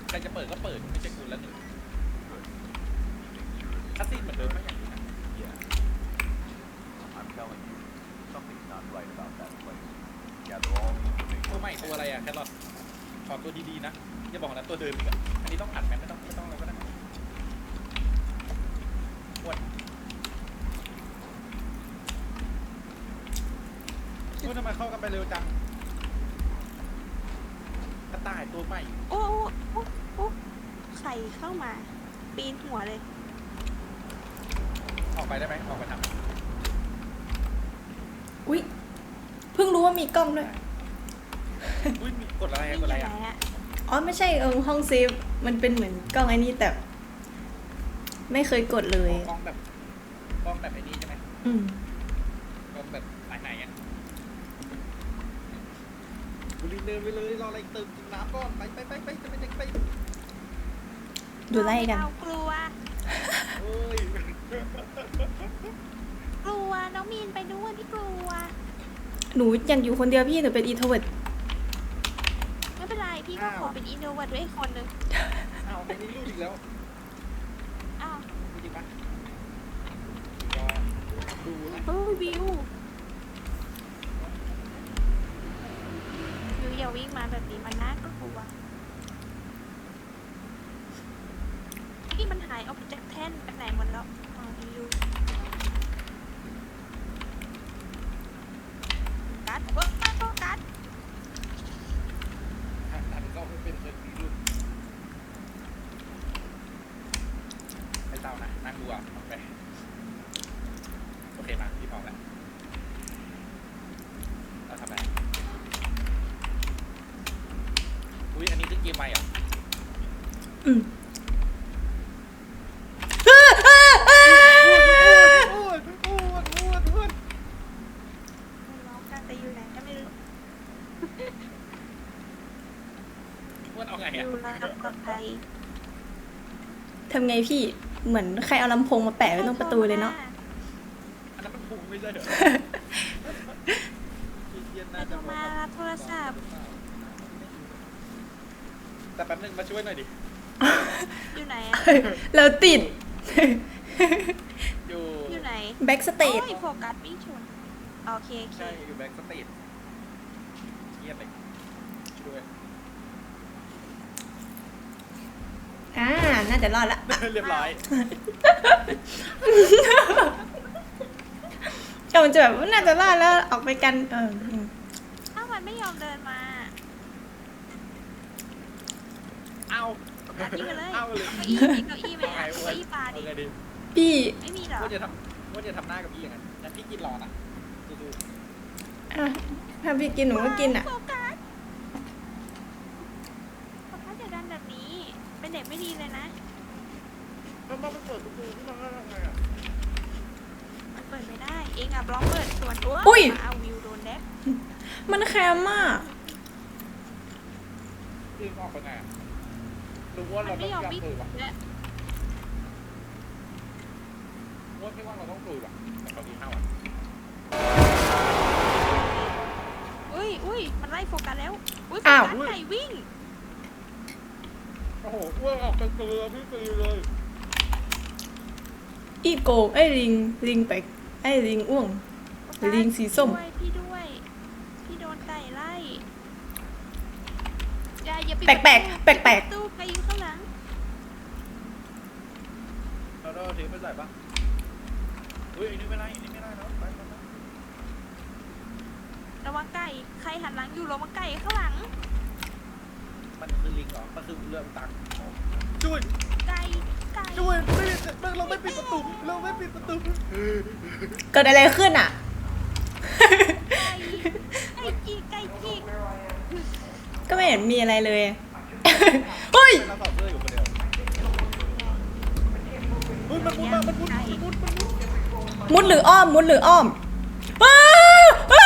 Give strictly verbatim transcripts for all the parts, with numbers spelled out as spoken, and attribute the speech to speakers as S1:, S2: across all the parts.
S1: ใครจะเปิดก็เปิดไม่ใช่คุณแล้วหนึ่งคัสซีนเหมือนเดิมไหมอย่างนี้นะตัวใหม่ตัวอะไรอ่ะแครอทขอตัวดีๆนะอย่าบอกนะตัวเดิมอีกอ่ะอันนี้ต้องอัดไหมไม่ต้องไม่ต้องแล้วก็ได้ปวดพูดทำไมเข้ากันไปเร็วจังกระต่ายตัวใหม่
S2: โอ้โอ้โอ้ใครเข้ามาปีนหัวเลย
S1: ออกไปได้ไหมออกไปทำ
S3: อุ๊ยเพิ่งรู้ว่ามีกล้องด้วย
S1: อุ้ยมีกดอะไรกดอะไรอ่ะ
S3: อ๋อไม่ใช่เออห้องเซฟมันเป็นเหมือนกล้องไอ้นี่แต่ไม่เคยกดเลย
S1: กล้องแบบกล้องแบบไอ้นี่ใช่ไหม
S3: อืม
S1: กล้องแบบไหนไหนอ่ะบุรีเดินไปเลยรออะไรเติมกินน้ำก่อนไปไปไปไปจะไปจะไป
S3: ดูไล่กัน
S2: เรากลัว
S1: เอ้ย
S2: กลัวน้องมีนไปด้วยพี่กลัว
S3: หนูอยากอยู่คนเดียวพี่หนูเป็นอีโทรเวิร์ด
S2: ไม่เป็นไรพี่ก็ขอเป็นอินโนเวทด้วยอีกคนนึง
S1: อ้าวไอ้นี่รูดอีกแล้ว
S2: อ้าว
S1: จริงปะดูนะ
S2: เฮ้ยวิววิวอย่าวิ่งมาแบบนี้มันน่ากลัวพี่มันหายออกจากแท่นไปไหนหมดแล้วอ๋อวิวกัดเวิร์กมากก็กัด
S1: อันนั้นก็ไม่เป็นเคยมีรูดไอ้เต้านะนั่งดูอ่ะโอเคโอเคมาพี่พร้อมแล้วเราทำอะไรอุ้ยอันนี้คือเกมใหม่เหรอ
S3: อืม
S1: อ้วนอ้วนอ้วนอ้วน
S2: น้องกันแต่อยู่ไหนก็ไม่รู้
S1: อ้วนเอาไง
S2: อ
S1: อ่ะ
S2: ยู่ระดับปลอดภัย
S3: ทำไงพี่เหมือนใครเอาลำโพงมาแปะไว้ตรงประตูเลยเนาะ
S1: อันนั้นมันพุงไม่ใช่เหรอ
S2: ไปโทรมารับโทรศัพท์
S1: แต่แป๊บนึงมาช่วยหน่อยดิ
S2: อยู่ไหนอะ
S3: เราติด
S1: อยู่
S2: อยู่ไหน
S3: แบ็กสเตจ
S2: โอ้ยโฟกัสวิ่งชนโอเคโอเค
S1: ใช่อยู่แบ็กสเตทเงียบเลยช่วย
S3: อ่าน่าจะรอดละ
S1: เรียบร้อย
S3: ก็มันจะแบบว่าน่าจะรอดแล้วออกไปกันเอออืม
S2: ถ้ามันไม่ยอมเดินมา
S1: เอา
S2: ตัดนี่ไปเลย
S1: เอาเลย
S2: เก้าอี้มีเก้าอี้ไหมอะเก้าอี้ปลาดิ
S1: เอาไงดี
S3: พี่
S2: ไม่มีเหรอ
S1: ว่าจะทำว่าจะทำหน้ากับพี่อย่างนั้นงั้นพี่กินรอนะดู
S3: อ่ะถ้าพี่กินหนูก็กินอ่ะ
S2: โฟกัสโฟกัสอย่าดันแบบนี้ เป็นเด็กไม่ดีเลยนะ
S1: ๆแล้วมันเปิดประตูขึ้นมาได้ไงอ่ะ
S2: มันเปิดไม่ได้ เองอ่ะบล็อกเปิดส่วนตัว
S3: อุ้ย
S2: เอาวิวโดนแดก
S3: มันแคมมาก
S1: พี่ออกไปไงอ่ะรู้ว่า
S2: มั
S1: เรา
S2: น
S1: ต้
S2: ไม่
S1: อง
S2: ยอม
S1: อยาก
S2: วิ่ง
S1: ตื่นว่ะ
S2: และ
S1: ว่าไม่ว่าเราต้องตื่นว่ะแต่เขาดีห้าวัน
S2: อุ้ยอุ้ยมันไล่โฟกัสแล้ว อุ้ยโฟ
S3: อ้าว
S2: กัสไก่วิ่ง
S1: โอ้โหอ้วนออกเป็นตัวพี่ตีเลย
S3: อีโกงไอ้ลิงลิงไปไอ้ลิงอ้วง ลิงสีส้ม
S2: ด้วยพี่ด้วย พี่โดนไก่ไล่อย่าอย่าปิด
S3: แปลกแปลกแปลกแปลก
S2: ตู้ไก่อยู่ข้างหลัง
S1: เราเราถือไปใส่ปะเฮ้ยอันนี้ไม่ได้อันนี้ไม่ได้แล้วไปไปไประ
S2: วังไก่ ใครหันหลังอยู่ระวังไก่ข้างหลัง
S1: มันคือลิงเหรอมันคือเรือตังช่วย
S2: ไก่ ไก่
S1: ช่วยไม่ไม่เราไม่ปิดประตูเราไม่ปิดประตู
S3: เกิดอะไรขึ้นอ่ะ
S2: ไก่ ไก่จีกไก่จีก
S3: ก็ไม่เห็นมีอะไรเลย เฮ้ย
S1: เราต่อเสื้ออยู่คนเดียวเฮ้ยมันมุดมามันมุดมันมุดมันมุด
S3: มุดหรืออ้อม มุดหรืออ้อมอ้าอ้า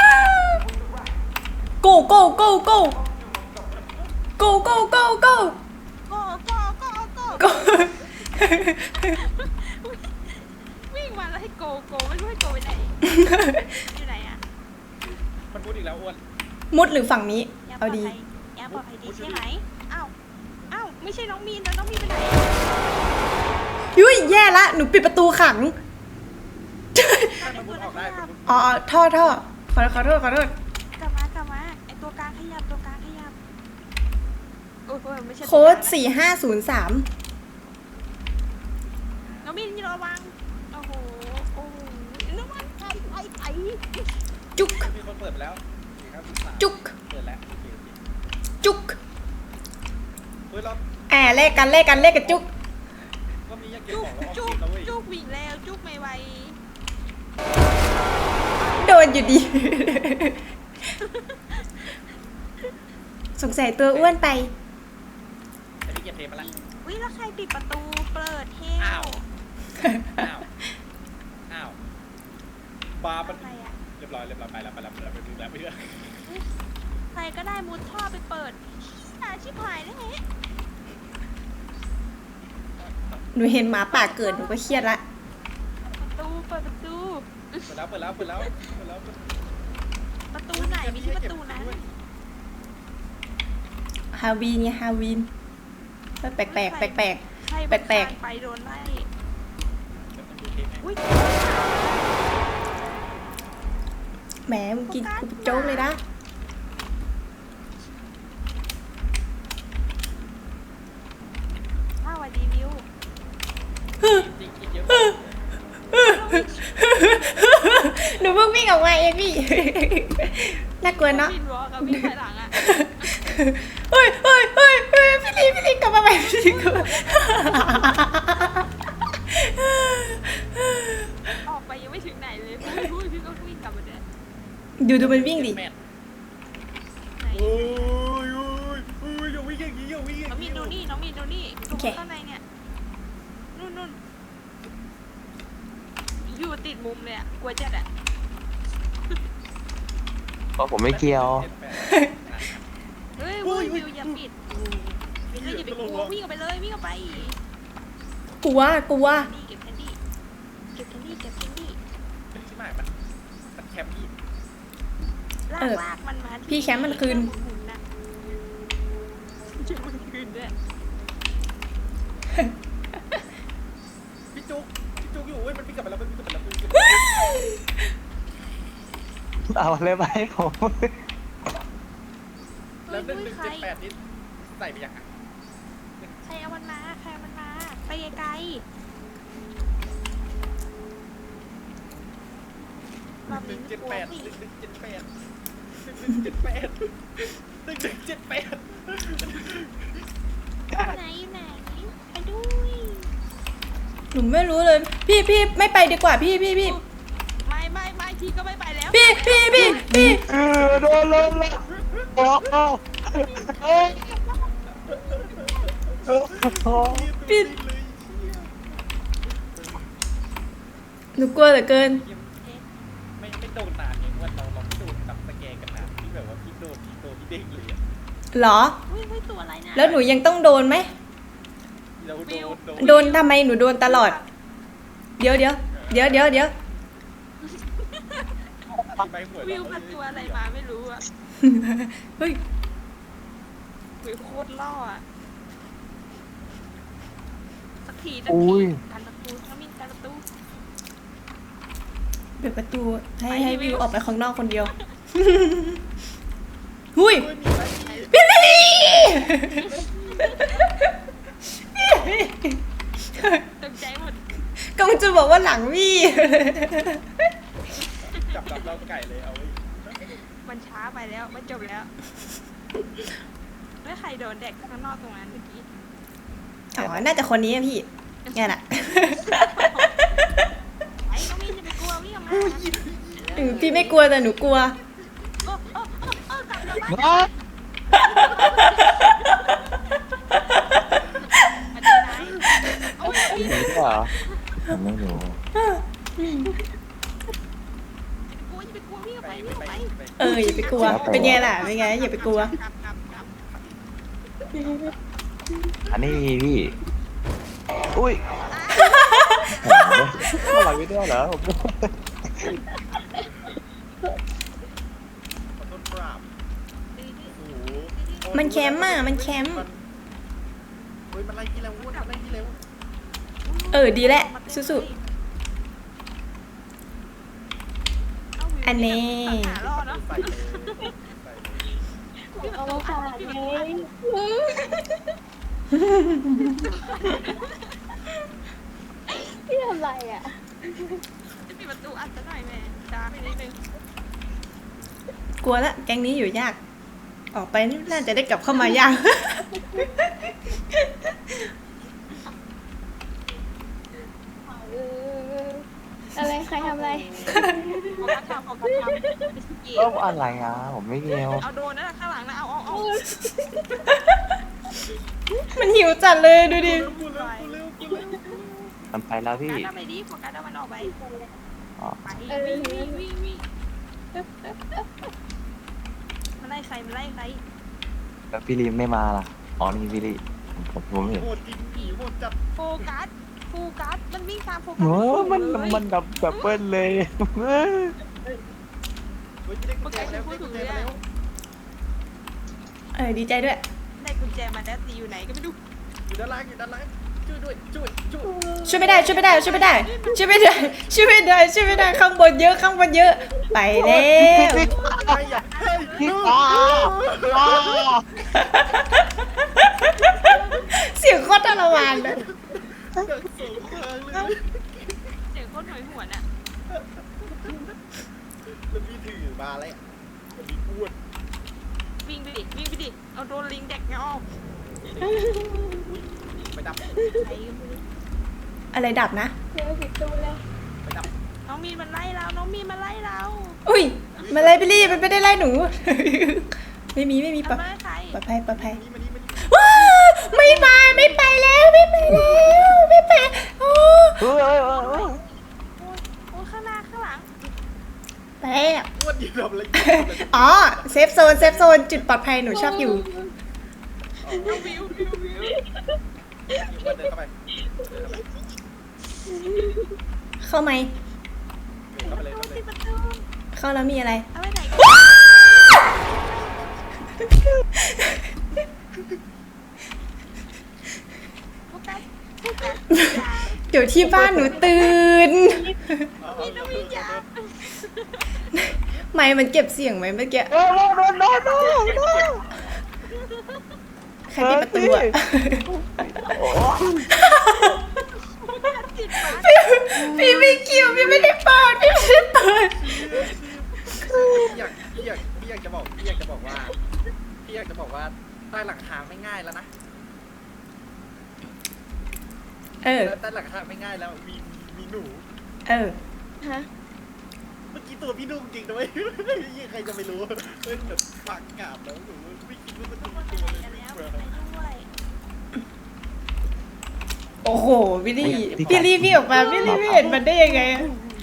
S3: go go go go go go go go
S2: โก้โก้โก้โก้
S3: go
S2: วิ่งมาแล้วให้โกโก้ไม่รู้ให้โกไปไหน อยู่ไหนอะ
S1: มันมุดอีกแล้วอ้วน
S3: มุดหรือฝั่งนี้
S2: ยังปล
S3: เอา
S2: อด
S3: ดี
S2: ภัยยังปลอดภัยดีใช่ไหมอ้าวอ้าวใช่น้องมีนแล้วน้องมีนไปไหน
S3: ยุ้ยแย่ละหนูปิดประตูขัง
S1: ให้มันมุดออกได้มันมุด
S3: อ๋อท่อท่อขอขอโทษขอโทษ
S2: กลับมากลับมาไอตัวกลางขยับตัวกลางขยับโอ้ยไม่ใช่ตัว
S3: โค้ด
S2: กลางนะ
S3: สี่ห้าศูนย์สาม
S2: น้องมีนระวังโอ้โหโอ้โหน้องมันไปไปไป
S3: จุก
S1: มีคนเปิดไปแล้วสี่ครับสาม
S3: จุก
S1: เปิดแล้วโอเคโอเค
S3: จุก
S1: เฮ้ยเรา
S3: แอบเลขกันเลขกันเลขกันจุก
S1: ก็มีอยากเก็บ
S2: จุก
S1: ของแล้วออก
S2: จุก
S1: ทีมแล้วเว้ย
S2: จุกวิ่งแล้วจุกไม่ไหว
S3: โดนอยู่ดี สงสัยตัวอ้วนไป
S1: แต่พี่เก็บเทปมาแล้ว
S2: วิแล้วใครปิดประตูเปิดเท
S1: อ้า
S2: ล
S1: ว อ้าว อ้าว บาร์มัน
S2: ใครอะ
S1: เรียบร้อยเรียบร้อยไปแล้วไปแล้วไปแล้วไปแล้วไปแล้ว
S2: ใครก็ได้มุดท่อไปเปิดอาชิบหายแล้วเฮ้
S3: หนูเห็นหมาป่าเกิดหนูก็เครียดละ
S2: ประตูเปิดประตู
S1: เปิดแล้วเปิดแล้วเปิดแล้วเปิดแล้ว
S2: ประตูไหนไม่ใช่ประตูนั้น
S3: ฮาวีนเนี่ยฮาวีนแปลกแปลกแปลกแปลก
S2: ใคร
S3: แปลกๆ
S2: บางทางไปโดนไล่
S1: เดี๋ยวมันดูเทปให้
S2: อุ้ย
S3: แหมมึงกินกูโจ๊กเลยนะ
S2: อ้าวสวัสดีวิว
S1: จริงกินเยอะ
S3: หนูเพิ่งวิ่งออกมาเองพี่ น่ากลัวเนาะ
S2: วินวอล์กกับวิ่งไปหลังอะ
S3: เฮ้ยเฮ้ยเฮ้ยเฮ้ยพี่ลีพี่ลีกลับมาใหม่พี่ลีกลับมา
S2: ออกไปยังไม่ถึงไหนเลยพูดพี่ก็วิ่งกลับมาเดิน
S3: ดูดูมันวิ่งดิ
S1: แม่น
S2: ไหน
S1: โอ้ยโอ้ยโอ้ยอย่าวิ่งอย่างนี้อย่าวิ่งอย่าง
S2: น้องมี
S1: นี้
S2: นดูนี่น้องมีนดูนี่ดูข้างในเนี่ยนู่นนู่นอยู่ติดมุมเลยอะกลัวจัดอะ
S4: เพราะผมไม่เกี่ยว
S2: เฮ้ยวิววิวอย่าปิดวิวอย่าไปกลัววิ่งออกไปเลยวิ่งออกไป
S3: กลัวกลัว
S2: นี่เก็บแคนดี้เก็บแคนดี้เก็บแคนดี้
S1: ใช่ไหมมันมันแคมป์พี่
S2: ลาก
S3: เออ
S2: ลากมันมาที่
S3: พี่แคมป์มันคืน
S2: หมุนๆนะแคมป์มันคืนด้วย
S1: พี่จุกพี่จุกอยู่เว้ยมันวิ่งกลับไปแล้วมันวิ่งกลับไปแล้วมันวิ่งกลับไปแล้ว
S4: เอาเลยไปผม
S2: เฮ้
S1: แล้ว
S2: ย
S1: หนึ่งห
S2: เฮ้ย
S1: นึ่ง
S2: ใคร
S1: เจ็ดแปดนี่ใส่ไปยังไง
S2: ใครเอามันมาใครเอามันมาไปไกลๆรอบ
S1: หนึ่
S2: นี้
S1: ง
S2: ไม่
S1: เจ็ด
S2: กลัว
S1: แปดห
S2: พี่
S1: นึ่งหนึ่งเจ็ดแปดหนึ่งหนึ่งเจ็ดแปดหนึ่งหนึ่งเจ็ดแปด
S2: อยู่ไหนอยู่ไหนไปด้วย
S3: หนูไม่รู้เลย พี่พี่ไม่ไปดีกว่าพี่พี่พี่
S2: ไม่ไม่ไม่พี่ก็ไม่ไปแล้ว
S3: พี่พี่พี่พี่
S4: เออโดนเลยเลยโอ้โหเอ้ยโอ้โห
S3: พี่หนูกลัวเหลือเกิน
S1: ไม่ไม่โดนนานเองว่าเราเราไม่โดนจับสแกนกันนานที่แบบว่าพี่โดนพี่โดนพี่เด้งเลยอะ
S3: เหรอ
S2: เฮ้ยเฮ้ยตัวอะไรนะ
S3: แล้วหนูยังต้องโดนไหม
S1: เราโดนโดน
S3: โดนทำไมหนูโดนตลอด เดี๋ยวเดี๋ยวเดี๋ยวเดี๋ยวเดี๋ยว
S1: ไปหวย
S2: วิวมันตัวอะไรมาไม่รู้อะ
S3: เฮ้ย
S2: วิวโคตรล่ออะสักทีสัก
S4: อุ้
S2: ที
S4: ย
S2: กันประตูน้องมินกันประตู
S3: เปิดประตูให้
S2: ไป
S3: ให้
S2: วิ
S3: วิ
S2: ว
S3: วออกไปข้างนอกคนเดียว หุย
S1: เฮ้ยมีไหม
S3: พี่ลี
S2: ตกใจหมด
S3: กำลังจะบอกว่าหลังวี่
S1: จับจับเราไก่เลยเอาไว้
S2: มันช้าไปแล้วมันจบแล้วไม่ใครโดนเด็กข้างนอกตรงนั้นเมื่อกี้
S3: อ๋อ น่าจะคนนี้อะพี่งั้นอะ
S2: ไอ้น้องมินจะไปกลัววิ่งออกมา
S3: อืมพี่ไม่กลัวแต่หนูกลัว
S2: โอ้โอ้โอ้โอ้กลับกลับบ้าน
S4: อ้า
S2: อันนี้ไหนโอ้ย
S4: หนีเหรอผมไม่รู้
S2: กลัวอย่าไปกลัววิ่งออก
S1: ไป
S2: ไปวิ่งออก
S1: ไป
S2: ไป
S1: ไป
S3: เอออย่าไปกลัว เป็นไงล่ะ เป็นไง อย่าไปกลัว
S2: กลับกลับกลับ
S4: อันนี้พี่ อุ้ยอะไรไม่ได้เหรอผม
S1: ขอโทษปราบโอ้โห
S3: มันแคมป์อะมันแคมป์
S1: มฮ้ยมันไล่ที่เร็วอ้วนมันไล่ที่เร็ว
S3: เออดีแหละสู้ อันนี้
S2: หารอดเนาะ
S1: ใส่เลยใส่เลย
S5: เอามาฝากไง พี่ทำไรอ่ะ
S2: จะปิดประตูอัดซะหน่อยแม่จ้าไปนิดนึง
S3: กลัวละแก๊งนี้อยู่ยาก ออกไปนี่น่าจะได้กลับเข้ามายาก
S5: เอออะไรใครทำอะไร
S2: โฟกัสทำโฟกัสทำไม่ใช่เก
S4: เอ้าม
S2: ม
S4: อะไรอ่ะผมไม่เกี่ยว
S2: เอาโดนนั่นแหละข้างหลังนะเอาเอาเอา
S3: มันหิวจัดเลยดูดิ
S1: กูเร็วกูเร็วกูเร็ว
S4: มันไปแล้ว
S2: โฟ
S4: พี่
S2: กัสเอาไปดิโฟกัสเอามันออกไป
S4: อ๋อ
S2: ไปวิ่งวิ่งวิ่งวิ่งมันไล่ใครมันไล่ใคร
S4: แล้วพี่ลีไม่มาล่ะอ๋อนี่พี่ลีผมผมเห็น
S1: โหดจริงผีโหดจัด
S2: โฟกัสโฟกัสมันวิ่งตามโฟกัส
S4: โอ้มัน
S2: เลย
S4: มันดับดับเบิ้ลเลย
S1: เฮ้ยไม่ได้กุญแจแล้วได้กุญแจมาแล้ว
S3: เออดีใจด้วย
S2: ได้กุญแจมาแล้วตีอยู่ไหนก็ไม่รู้
S1: อยู่ด้านล่างอยู่ด้านล่างช่วยด้วยช่วยช่วย
S3: ช่วยไม่ได้ช่วยไม่ได้ช่วยไม่ได้ช่วยไม่ได้ช่วยไม่ได้ช่วยไม่ได้ข้างบนเยอะข้างบนเยอะ ไปแล้ว
S1: ใครอ่ะเฮ้ย
S4: พี่
S1: ลูก
S4: อ้าอ้า
S3: เสียงโคตรทรมานเลย
S1: เดินสูงทางเลย
S2: เสียงโคตรหน่วยหวนอ่ะ
S1: แล้วพี่ถือมาแล้วมีอ้วน
S2: วิ่งไปดิวิ่งไปดิเอาโดนลิงแดกเงาออก
S1: ไปดับ
S2: ใครก็ไม่รู้
S3: อะไรดับนะ
S5: เจอผิดตัวแล้ว
S1: ไปดับ
S2: น้องมีนมันไล่เราน้องมีนมันไล่เรา
S3: อุ้ยมาเลยพี่ลี่มันไม่ได้ไล่หนู ไม่มีไม่มีปลอด
S2: ทำไล่ใคร
S3: ปลอดภัยปลอดภัย
S1: นี่มานี่มานี่
S3: ว้าวไม่มาไม่ไปแล้วไม่ไปแล้วไม่ไปโอ้
S4: เฮ้ยเฮ้ยเฮ้ยเฮ้ย
S2: โอ้ยโอ้ยข้างหน้าข้างหลัง
S3: ไปแล้ว
S1: อ้วนอยู่ทำอะไร
S3: อ๋อเซฟโซนเซฟโซนจุดปลอดภัยหนูชอบอยู่
S2: วิววิววิววิว
S1: อ้วนเดินเข้าไปเดินเข้าไป
S3: เข้าไหม
S1: เข้าไปเลยเข้าไปเล
S2: ปิ
S1: ย
S2: ดประตู
S3: เข้าแล้วมีอะไร
S2: เอาไปไหนกันโฟกัสโฟกัสอย่า
S3: เดี๋ยวที่บ้านหนูตื่น
S2: พี่น้องมีนอย่า
S3: ไม่มันเก็บเสียงไหมเมื่อกี้
S4: โอ้โหโดนโดนโดนโดน
S3: ใครปิดประตูอะ
S4: โอ้
S2: ติดปาก
S3: พี่ไม่เกี่ยวพี่ไม่ได้เปิดพี่ไม่ได้เปิด
S1: พี่อยากพี่อยากพี่อยากจะบอกพี่อยากจะบอกว่าพี่อยากจะบอกว่าใต้หลังคาไม่ง่ายแล้วนะ
S3: เออ
S1: ใต้หลังคาไม่ง่ายแล้วมีมีหนู
S3: เออ
S5: ฮะ
S1: เมื่อกี้ตัวพี่ดุ้งจริงนะเว้ยใครจะไม่รู้เฮ้ยแบบปากกาบแล้วหนูไม่คิดว่ามันจะ
S2: ค
S1: มี
S2: น
S1: ตัว
S2: ไป
S1: เลย
S2: แล้วไปด้วย
S3: โอ้โหพี่ลี่พี่ลี่พี่ออกมาพี่ลี่ไม่เห็นมันได้ยังไงอะ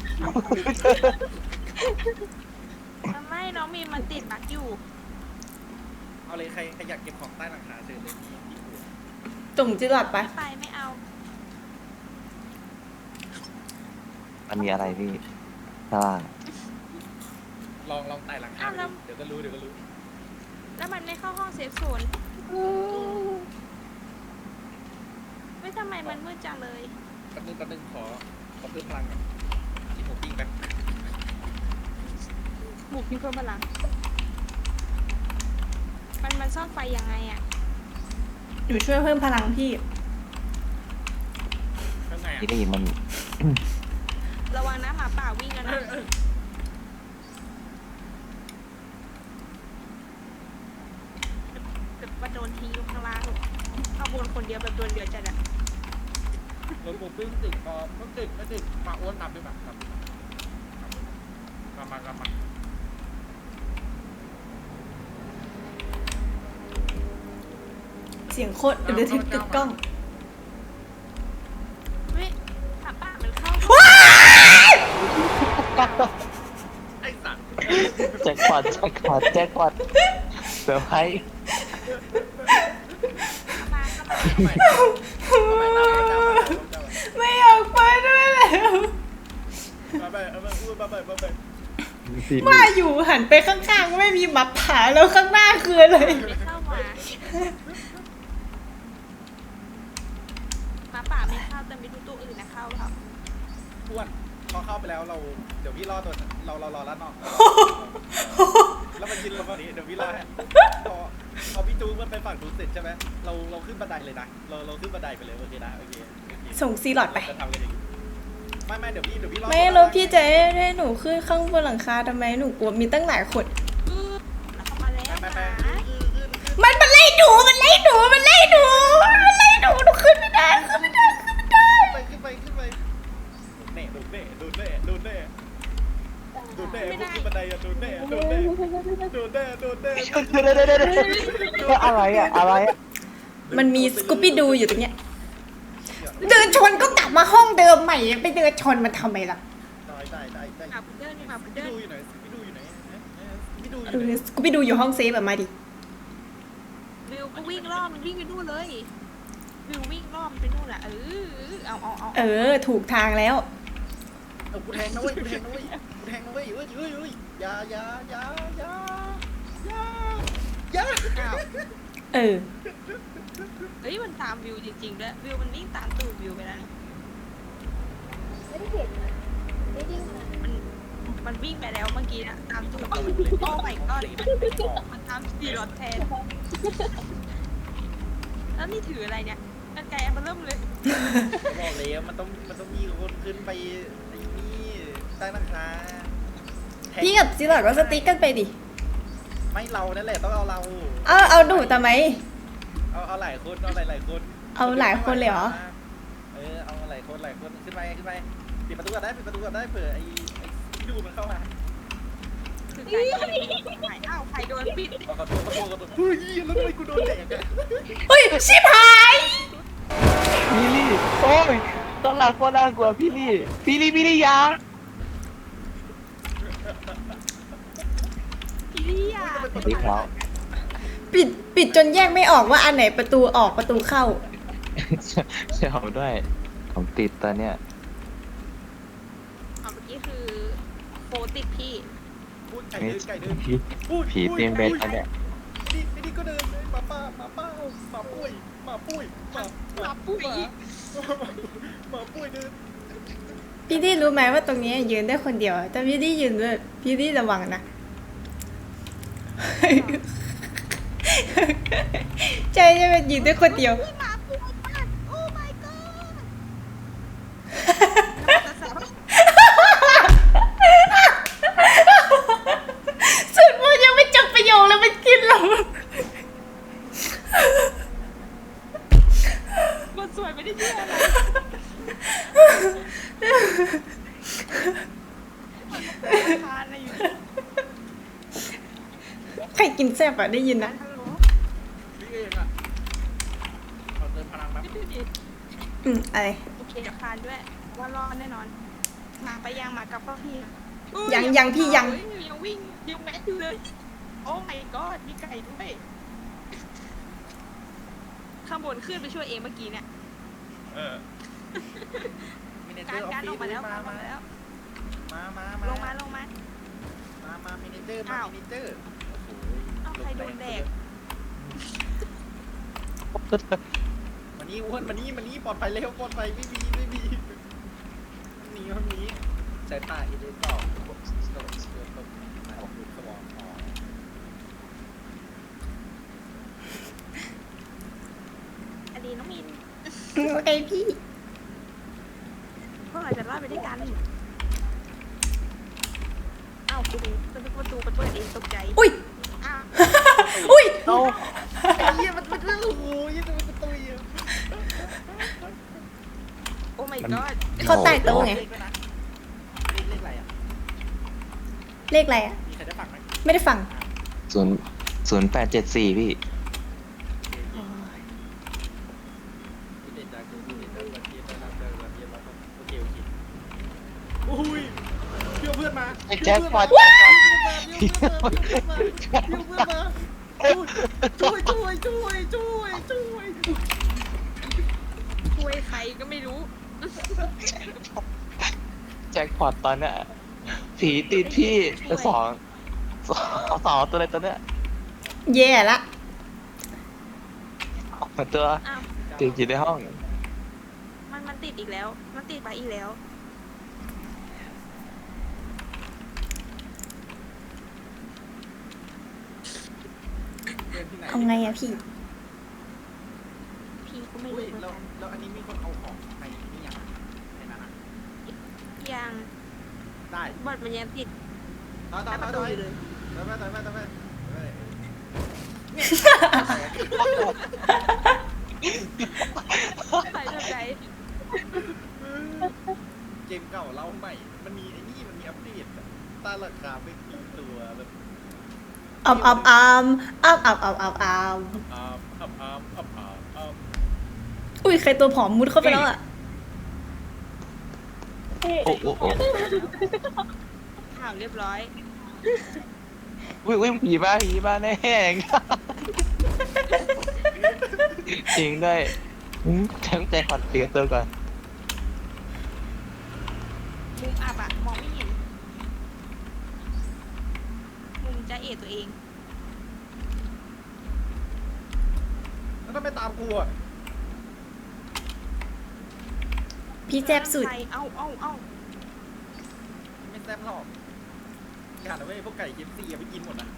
S2: ทำไมน้องมีนมันติดบักอยู่
S1: เอาเลยใครใครอยากเก็บของใต้หลังคาเชิญเลยพี่พี่หัว
S3: ตุ่มจิหลอดปะ
S2: ไปไม่เอา
S4: มันมีอะไรพี่ข้างล่าง
S1: ลองลองไต่หลังคาดูเดี๋ยวก็รู้เดี๋ยวก็รู้
S2: แล้วมันไม่เข้าห้องเซฟโซนไม่ทำไมมันมืดจังเลย
S1: แป๊บนึงแป๊บนึงขอขอเพิ่มพลังก่อนที่ผมปิ้งไป
S2: บุกมีเพิ่มพลังมันมันซ่อนไฟยังไงอ่ะ
S3: หนูช่วยเพิ่มพลังพี่
S1: ข้างใน
S4: พี่
S1: อ่ะ
S4: ลีมัน
S2: ระวังนะหมาป่าวิ่งกันนะแบบว่าโดนทิ้งอยู่ข้างล่างข้างบนคนเดียวแบบโดนเดือดจัดอะ
S1: รถผมปิ้งติดพอมันติดไม่ติดมาอ้วนตามด้วยแบบตามมามากมา
S3: เสียงโคตรระทึกตึกกล้อง
S2: เฮ้ยหมาป่ามันเข้า
S1: ไอ้สัตว์
S4: แจ็คพอตแจ็คพอตแจ็คพอตเซอร์ไพรส์
S2: มาเข้ามา
S1: ทำไมทำไมตามมาตามมาตามมา
S3: ไม่อยากไปด้วยแล้ว
S1: มาไปเอามาอ้วนมาไปมาไป
S4: พี่ลี
S3: ว่าอยู่หันไปข้างๆไม่มีหมาผาแล้วข้างหน้าคืออะไร
S2: ไม่เข้ามามาป่าไม่เข้าแต่มีตู้ตู้อื่นนะเข้าครับ
S1: อ้วนพอเข้าไปแล้วเราเดี๋ยวพี่รอตัวเราเรารอแล้วนอกแล้วมันยินเราฝั่งนี้เดี๋ยวพี่รอให้พอพอพี่จูมันไปฝั่งนู้นเสร็จใช่ไหมเราเราขึ้นบันไดเลยนะเราเราขึ้นบันไดไปเลยโอเคนะโอเคโอเค
S3: ส่งซีหลอดไป
S1: จะทำกันอย่างนี้ไม่ไม่เดี๋ยวพี่เดี๋ยวพี่รอ
S3: ไม่แล้วพี่จะให้หนูขึ้นข้างบนหลังคาทำไมหนูกลัวมีตั้งหลายคน
S2: อือแล้วเข้ามาแล้ว
S1: ไม่
S2: นะ
S1: ไม่ขึ้นขึ้นขึ้น
S3: มันมันไล่หนูมันไล่หนูมันไล่หนูมันไล่หนูหนูขึ้นไม่ได้ขึ้นไม่ได้ขึ้นไม่ได้
S1: ขึ้นไปขึ้นไปขึ้นไปเน่ดูเน่ดูเน่ดูเน่ดูเน่พวกขึ้นบันไดอะดูเน่ดูเน่ดูเน่ดูเน่
S4: เดี๋ยวเดี๋ยวเดี๋ยวเดี๋ยวอะไรอะอะไรอะ
S3: มันมีสกูปี้ดูอยู่ตรงเนี้ยเดินชนก็กลับมาห้องเดิมใหม่ไปเดินชนมันทำไมล่ะ
S1: ได้ได้ได้ได้
S2: อ่ะพุดเดิ้ลมาพุด
S1: พี่
S2: เดิ้ล
S1: ดูอยู่ไหนพี่ดูอยู่ไหนพี่ดูอ
S3: เอยู่
S1: ไหน
S3: อสกูปี้ดูอยู่ห้องเซฟแบบมาดิ
S2: วิวก็วิ่งรอบมันวิ่งไปนู่นเลยวิววิ่งรอบมันไปนู่นอ่ะเออเอาเอาเอา
S3: เออถูกทางแล้ว
S1: เอากูแทงนะเว้ยกูแทงนะเว้ยกูแทงนะเว้ยเอ้ยเอ้ยเอ้ยอย่าอย่าอย่าอย่าอย่าอย่า
S2: อ้าว
S3: เออ
S2: เฮ้ยมันตามวิวจริงๆด้วยวิวมันวิ่งตามตูดวิวไปแล้วนี่
S5: ไม่ได้เห็นนะไม่ได้ยินนะ
S2: มันมันวิ่งไปแล้วเมื่อกี้นะตามตูดวิวโอ้ไม่ก็มันตามสีรถแทนแล้วนี่ถืออะไรเนี่ยกันไกลอันเริ่มเลย
S1: บอกแล้วมันต้องมันต้องมีคนขึ้นไปไอ้นี่ใต้หลังคา
S3: พี่กับซีหลอดก็สติ๊กกันไปดิ
S1: ไม่เรานั่นแหละต้องเอาเรา
S3: เอาเอาหนูทำไม
S1: เอาเอาหลายคนเอาหลายหลายคน
S3: เอาหลายคนเลยเหรอ
S1: เออเอาหลายคนหลายคนขึ้นไปขึ้นไปปิดประตูก่อนได้ปิดประตูก่อนได้เผื่อไอ้ไอ้ที่ดูมันเข้ามา
S2: คือไก่ก็เลยไม่หายอ้าวไข่โดนปิด
S1: เอาขอโทษขอโทษขอโทษเฮ้ยแล้วทำไมกูโดนแดกอะ
S3: เฮ้ยชิบหาย
S4: พี่ลี่โอ้ยตอนหลังก็น่ากลัวพี่ลี่พี่ลี่พี่ลี่ยา
S2: พี่ลี่อ่ะ
S4: พี่เขา
S3: ปิดปิดจนแยกไม่ออกว่าอันไหนประตูออกประตูเข้า
S4: ใช่ผมด้วยผมติดตอนเนี้ย
S2: อ๋อเมื่อกี้คือโฟติดพี่
S1: พูดไก่
S4: นี่
S1: เดินไก่เดิน
S4: ผี
S1: พูด
S4: ผีเตียงเบสตอนเนี้ย
S1: นี่ไอ้นี่ก็เดินเลยหมาป้าหมาป้าหมาปุ้ยหมาปุ้ยหมาหมาปุ้ยหมาปุ้ยเดิน
S3: พี่ดี้รู้ไหมว่าตรงนี้ยืนได้คนเดียวแต่พี่ดี้ยืนด้วยพี่ดี้ระวังนะ ใจจะเป็นยืนได้คนเดียว
S2: พี่หมาปูมากโอ้ my god
S3: สุดมันยังไม่จบประโยคเลยมันกินเรา
S2: มันสวยไม่ได้เชื่ออะไรทานอะไรอยู่
S3: ใครกินแซ่บอะได้ยินนะ
S2: ฮัลโหล
S1: นี่เองอะเราเติมพลังแป๊บ
S2: ไม่ดูดิ
S3: อืมอะไร
S2: โอเคเดี๋ยวคานด้วยว่ารอดแน่นอนมาไปยังมากับพ่อพี่
S3: ยังยังพี่ยัง
S2: เฮ้ยังวิ่งยังแมสอยู่เลยโอ้ my god มีไก่ด้วยข้างบนขึ้นไปช่วยเองเมื่อกี้เนี่ย
S1: เออมินิเจ
S2: กา
S1: อ
S2: ร
S1: ร์ออฟ
S2: การ
S1: ฟิ
S2: ออกมา
S1: ศ
S2: แล้ว
S1: มา
S2: การออก
S1: มา
S2: มาแล้ว
S1: มามา
S2: ลงมาลงมา
S1: มามามินิเจอร์มา
S2: อ้าว
S1: มินิเจอร์โอ้โห
S2: เอาใครโดนแดก
S1: มันนี่อ้วนมันนี่มันนี่ปลอดภัยเร็วปลอดภัยไม่มีไม่มีหนีมันหนีใช้ตาอีเดนต่อตกตกตกตกมาออกดูสมองอ๋อ
S2: อดีน้องมิน
S3: โอเคพี่
S2: พวกเราจะรอดไปด้วยกันอ้าวคุณจะเป็นประตูประตูเองตกใจ
S3: อุ้ย
S2: อ้าว
S3: อุ้ย
S4: เอา
S1: ไอ้เหี้ยมันมันโอ้โหยี่ตัวมันตัวเหี้ย
S2: โอ้ my god
S3: เขาใต้โต๊ะไง
S1: เลขด้วยนะเลขเลขอะไรอ่ะ
S3: เลขอะไรอะ
S1: มีใครได้ฟังไหม
S3: ไม่ได้ฟัง
S4: ศูนย์ศูนย์แปดเจ็ดสี่พี่
S1: พี่เด็ดจากพี่เด็ดจากวันที่นะครับเดินวันที่เราต้องโอเคโอเคโอ้ยเดี๋ยวเพื่อนมา
S4: ไอ้แจ็คพอต
S1: เดี๋ยวเพื่อนมาเดี๋ยวเพื่อนมาเดี๋ยวเพื่อนมาช่วยช่วยช่วยช่วยช่วย
S2: ช่วยใครก็ไม่รู้
S4: แจ็คพอตตอนเนี้ยผีติดพี่สองสองสองตัวเลยตอนเนี้ย
S3: แย่ละ
S4: ออกมาตัว
S2: อ้าว
S4: ติดอยู่ในห้อง
S2: ติดอีกแล้ว มันติดมาอีกแล้ว
S1: เดินที่ไหน
S3: เอาไงอะพี่
S2: พี่ก็ไม่
S1: อุ้ย
S2: รู้เหมือน
S1: แล้ว
S2: กัน
S1: แล้วอันนี้มีคนเอาของในนี่ยังในนั้นอะ
S2: ยัง
S1: ได้
S2: บอดมันยังติด
S1: ต่อต่อ
S2: หน้า
S1: ต่
S2: ป
S1: อ
S2: ระตู
S1: ต่อ
S2: อยู่เลย
S1: ต่อไปต่อไปต่อไปต่อไปเนี่ย
S2: ใส่แบบไหน
S1: เกมเก่าเล่าใหม่ มันมีไอ้นี่มันมีอัปเดตอะตาราคาไม่กี่ตัวแบบ
S3: อัมอัมอัมอัมอัมอัมอัมอัม
S1: อ้ามอ้ามอ้ามอ้ามอ้ามอ้าม
S3: อุ้ยใครตัวผอมมุดเข้าไปแล้วอะ
S4: โอ้โหโอ้โห
S2: ข่าวเรียบร้อย
S4: วิ่งวิ่งผีบ้าผีบ้าแน่แห้งจริงด้วยอืมทั้งใจขวัญเปลี่ยนตัวก่อน
S2: มุมอับอะมองไม่เห็น มุมจะเอะตัวเอง
S1: แล้วทำไมตามกูอ่ะ
S3: พี่แจ๊บสุด
S2: ใครเอ้าเอ้าเอ้า
S1: ไม่แซ่บหรอกอย่านะเว้ยพวกไก่เคฟซีอย่าไปกินหมดนะ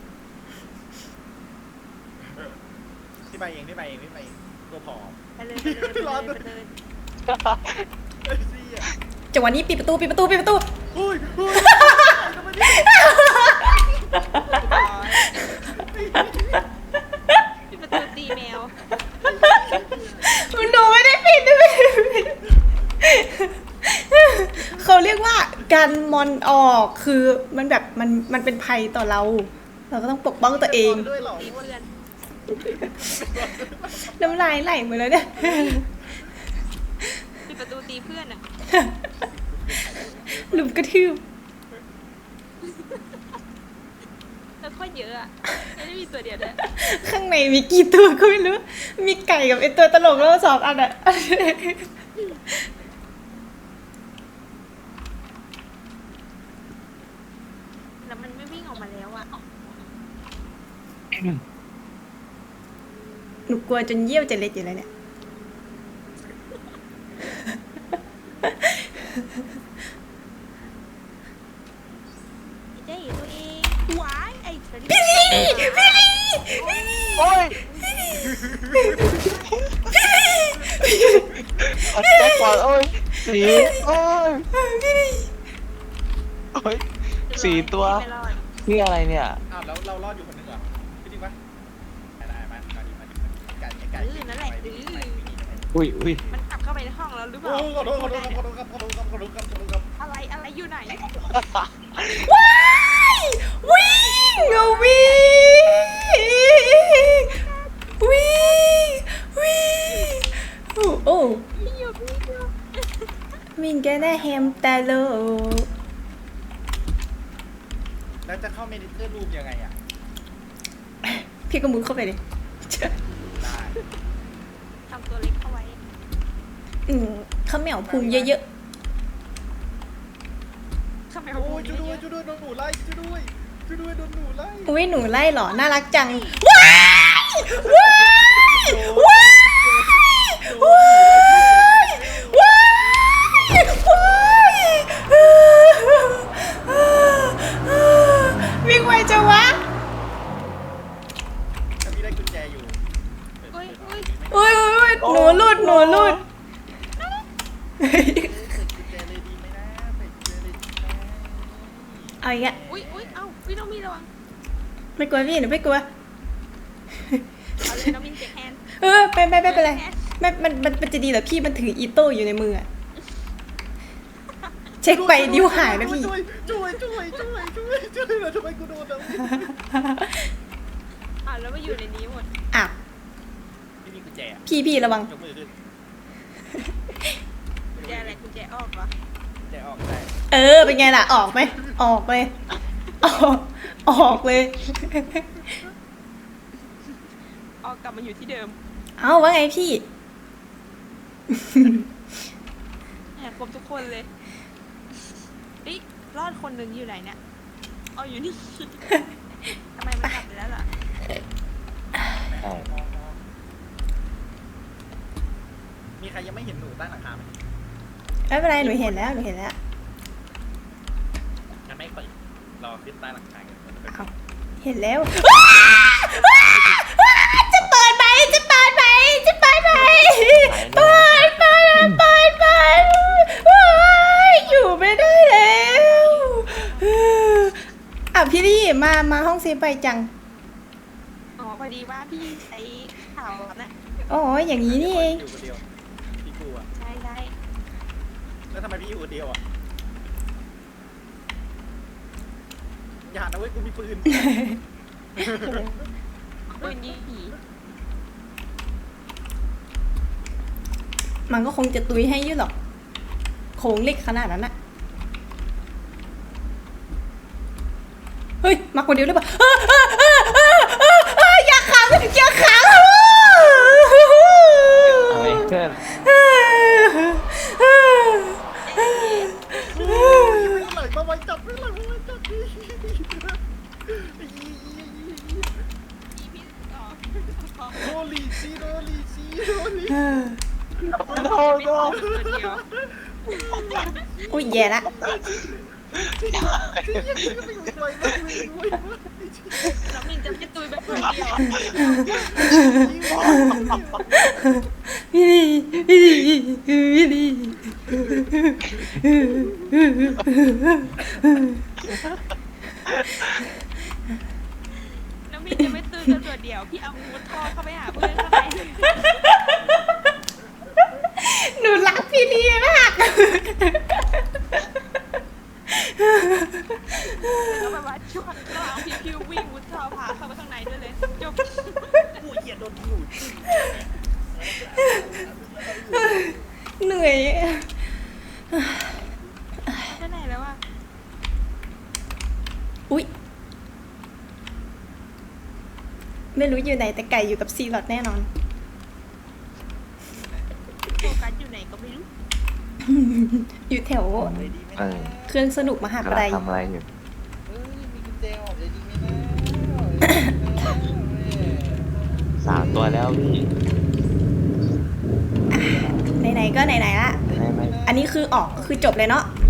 S1: ที่ไปเองที่ไปเองที่ไปเองตัวผอม
S2: ไปเลยไปเลยไป
S1: ร้อน
S2: เลยไปเลย
S1: ไอ้ซี่อ่ะ
S3: จังหวะนี้ปิดประตูปิดประตูปิดประตู
S1: อุ้ยอุ้ยทำไมเนี่ย
S2: ปิดประตูตีแมว
S3: หนูไม่ได้ปิดไม่ได้ปิดเขาเรียกว่าการมอนออกคือมันแบบมันมันเป็นภัยต่อเรา เราก็ต้องปกป้องตัวเอง
S1: ด้วยเหรอ
S2: ตีเพื่อน
S3: น้ำลายไหลหมดแล้วเนี่ย
S2: ปิดประตูตีเพื่อนอะ
S3: หลุมกระทืบ
S2: แล้วก็เยอะอะไม่ได้มีตัวเดียวด้วย
S3: ข้างในมีกี่ตัวก็ไม่รู้ มีไก่กับไอตัวตลกแล้วสองอันอะ
S2: แล้วมันไม่วิ่งออกมาแล้วอะ
S3: หนูกลัวจนเยี่ยวจะเล็ดอยู่แล้วเนี่ย
S2: เจ๊ตัวเองหวายไอ้เธอ
S3: พี่ลีพี่ลี
S4: โอ้ยอัดแจ็คก่อนโอ้ยสีโอ้ย
S3: พี่ลี
S4: โอ้ย สี่ตัว
S2: ไม่รอด
S4: นี่อะไรเนี่ย
S1: อ้าวแล้วเรารอดอยู่คนหนึงเหรอพี่จริงปะได้ได้มามาดิมาดิมาดิไก่ไก่
S2: เออนั่นแหละ
S1: ไป
S2: เอ
S1: ไปไป
S2: อ
S4: อุ้ยอุ้ย
S2: มันกลับเข้าไปในห้องแล้วหรือเป
S1: โอ้
S2: ล่า
S1: ขอโทษขอโทษขอโทษครับขอโทษครับขอโทษครับขอโทษครับขอโทษครับ
S2: อะไรอะไรอยู่ไหน
S3: ว้ายวิ่งเอาวิ่งวิ่งวิ่งโอ้โอ้
S2: พี่อยู่พี่อยู่
S3: วิ่งแกน่าแฮมตาโล
S1: แล้วจะเข้าเมดิเตอร์รูมยังไงอ่ะ
S3: พี่ก็มุดเข้าไปเลย
S1: ได้
S2: ทำตัวเล็กเข้าไว้
S3: อืมข้าวเหนียวพุงเยอะ
S2: ทำไม
S1: โอ้
S2: เขาพู
S1: ย
S2: ด
S1: ช่วยด้วย
S2: เยอะ
S1: ช่วยด้วยโดนหนูไล่ช่วยด้วยช่วยด้วยโดนหนูไล่
S3: ๆอุ้ยหนูไล่เหรอ น่ารักจัง ว้ายว้ายว้ายว้ายว้ายว้ายวิ่งไวจังวะ
S1: แต่พี่ได้กุญแจอยู่
S2: เฮ้ยเฮ้ย
S3: อุ้ยอุ้ยอุ้ยหนูหลุดหนูหลุด
S1: เปิดกุญแจเลยดีไหมนะเปิดกุญแจเลยดีไหม
S3: เอาอีกอะ
S2: อุ้ยอุ้ยเอ้าพี่น้องมีระวัง
S3: ไม่กลัวพี่หนูไม่กลัว
S2: เอาเลยน้องมินเจ็คแฮนด์
S3: เออไปไปไปไปเลยไม่มันมันมันจะดีเหรอพี่มันถืออีโต้อยู่ในมืออะเช็คไปนิ้วหายนะพี่
S1: ช่วยช่วยช่วยช่วยช่วยช่วยแล้วทำไมกูโดนอ่ะ
S2: อ่าแล้วมาอยู่ในนี้หมด
S3: อ่ะ
S1: ไม่มีกุญแจอะ
S3: พี่พี่ระวัง
S1: ยกมือขึ้น
S2: กุญแจอะไรกุญแจออกเหรอ
S1: กุญแจออกได้
S3: เออเป็นไงล่ะออกไหมออกเลยออกออกเลย
S2: ออกกลับมาอยู่ที่เดิม
S3: เอ้าว่าไงพี่
S2: แหมครบทุกคนเลยเฮ้ยรอดคนหนึ่งอยู่ไหนเนี่ยเอาอยู่นี่ ทำไมมันกลับไปแล้วล่ะ
S4: ใช่
S1: มีใครยังไม่เห็นหนูใต้หลังคาไหม
S3: ไม่เป็นไรหนูเห็นแล้วหนูเห็นแล้ว
S1: งั้นไม่เปิดรอขึ้นใต้หลังคากัน
S3: เอาเห็นแล้วจะเปิดไหมจะเปิดไหมจะเปิดไหมเปิดเปิดเปิดเปิดอยู่ไม่ได้แล้วอ่ะพี่ลี่มามาห้องเซฟไปจัง
S2: อ๋อพอดีว่าพี่ใช้ข่าวนะ
S3: โอ้ยอย่างนี้นี่เอง
S1: อยู่คนเดียวพี่กูอ่ะ
S2: ใช่ได้
S1: แล้วทำไมพี่อยู่คนเดียวอ่ะอย่านะเว้ยกูมีปืน
S2: ปืนยิงผี
S3: มันก็คงจะตุยให้อยืดหรอกโค้งเล็กขนาดนั้นอะเฮ้ยมาคนเดียวหรือเปล่าเออเออเออเออเออเอออย่าขังอย่าขัง
S4: อะไรเพื่อน
S1: ไม่ไหลมาไว้จับไม่ไหลมาไว้จับ
S2: พี่พี่อ๋อ
S1: โดลีซีโดลีซีโดลี
S4: โดนโดน
S2: ตัวเดียว
S3: อุ้ยแย่ละ
S2: น้องมินจะไม่ตุยแบบคนเดียว
S3: พี่ลี่พี่ลี่พี่ลี่
S2: น้องมินจะไม่ตุยกันตัวเดียวพี่เอามุดท่อเข้าไปหาเพื่อนเข้าไป
S3: หนูรักพี่ลี่มาก
S2: แล้วแบบว่าช่วงระหว่างพี่พิววิ่งมุดท่อพาเข้าไปข้างในด้วยเลยจบ
S1: กูเหยียดโดนอยู่
S3: เหนื่อย
S2: ไปไหนแล้วอะ
S3: อุ๊ยไม่รู้อยู่ไหนแต่ไก่อยู่กับซีลอดแน่นอน
S2: โฟกัสอยู่ไหนก็ไม่รู้
S3: อยู่แถว
S4: เออ
S3: เครื่องสนุกมหาก
S4: ำลั
S3: ลั
S4: ง
S3: ย
S4: ทำอะไรอยู่
S1: เอ้ยมีกุญแจออกเลยดีไหมนะ
S4: สามตัวแล้วพี่
S3: ไหนๆก็ไหนๆละ
S4: ไม่ไม่
S3: อันนี้คือออกก็คือจบเลยเนาะ